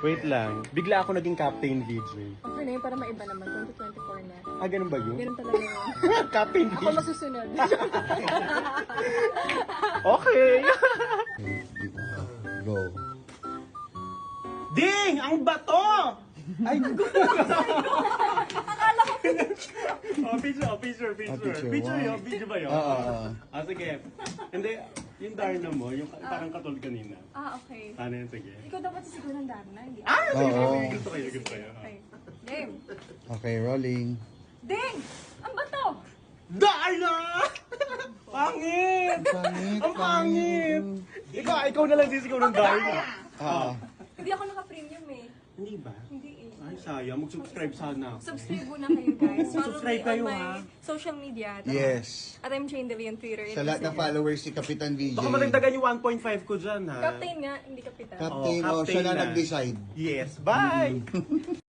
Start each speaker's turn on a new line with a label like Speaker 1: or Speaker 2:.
Speaker 1: Wait lang. Bigla ako naging Captain VJ.
Speaker 2: Okay na yun, para maiba naman. 2024 na.
Speaker 1: Ah, ganun ba yun?
Speaker 2: Ganun talaga yun.
Speaker 1: Captain
Speaker 2: Ako
Speaker 1: VJ.
Speaker 2: masusunod.
Speaker 1: Okay.
Speaker 3: Go.
Speaker 1: Ding! Ang bato! Ay, oh, picture.
Speaker 3: picture,
Speaker 1: Picture
Speaker 3: wow.
Speaker 1: yun, video ba yun? Sige. Hindi, yung Darna mo, yung parang katulad kanina.
Speaker 2: Okay.
Speaker 1: Ano yun, sige.
Speaker 2: Ikaw dapat sisiguro ng Darna, hindi ako.
Speaker 1: Sige,
Speaker 3: Oo.
Speaker 1: sige, gusto kayo.
Speaker 2: Okay. Game.
Speaker 3: Okay, rolling.
Speaker 2: Ding! Ang bato!
Speaker 1: Darna! Pangit!
Speaker 3: Pangit,
Speaker 1: Ang pangit! Ikaw na lang sisigaw ng Darna.
Speaker 2: Hindi ako naka-premium eh.
Speaker 1: Hindi ba?
Speaker 2: Hindi eh.
Speaker 1: Ay, sayang. Mag-subscribe sana ako.
Speaker 2: Subscribe muna kayo guys. Follow
Speaker 1: Subscribe
Speaker 2: me
Speaker 1: kayo,
Speaker 2: on my
Speaker 1: ha?
Speaker 2: social media.
Speaker 3: Yes.
Speaker 2: At I'm Jane Deli on Twitter.
Speaker 3: Sa lahat ng followers si Kapitan VJ.
Speaker 1: Baka madagdagan yung 1.5 ko dyan, ha?
Speaker 2: Captain nga, hindi kapitan.
Speaker 3: Captain,
Speaker 1: Oh,
Speaker 3: siya na
Speaker 1: captain na.
Speaker 3: nag-decide.
Speaker 1: Yes, bye!